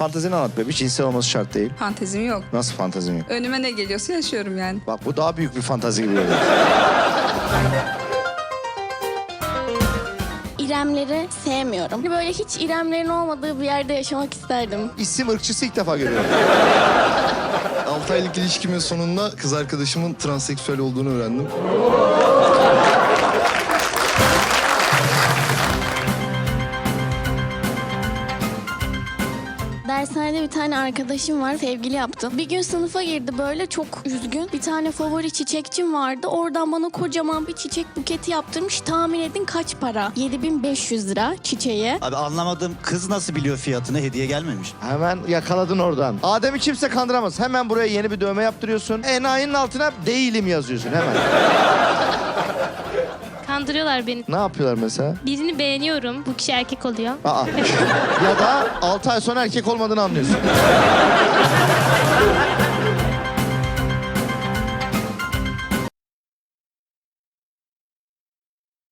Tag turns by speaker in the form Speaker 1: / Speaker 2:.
Speaker 1: Fantezini anlat be. Bir cinsel olması şart değil.
Speaker 2: Fantezim yok.
Speaker 1: Nasıl fantezin yok?
Speaker 2: Önüme ne geliyorsa yaşıyorum yani.
Speaker 1: Bak bu daha büyük bir fantazi gibi geliyor.
Speaker 3: İremleri sevmiyorum. Böyle hiç İremlerin olmadığı bir yerde yaşamak isterdim.
Speaker 1: İsim ırkçısı ilk defa görüyorum.
Speaker 4: 6 aylık ilişkimin sonunda kız arkadaşımın transseksüel olduğunu öğrendim.
Speaker 3: Dershanede bir tane arkadaşım var, sevgili yaptım. Bir gün sınıfa girdi böyle çok üzgün. Bir tane favori çiçekçim vardı. Oradan bana kocaman bir çiçek buketi yaptırmış. Tahmin edin kaç para? 7.500 lira çiçeğe.
Speaker 5: Abi anlamadım, kız nasıl biliyor fiyatını, hediye gelmemiş.
Speaker 1: Hemen yakaladın oradan. Adem'i kimse kandıramaz. Hemen buraya yeni bir dövme yaptırıyorsun. Enayinin altına değilim yazıyorsun hemen.
Speaker 6: Kandırıyorlar beni.
Speaker 1: Ne yapıyorlar mesela?
Speaker 6: Birini beğeniyorum. Bu kişi erkek oluyor.
Speaker 1: Aa. Ya da 6 ay sonra erkek olmadığını anlıyorsun.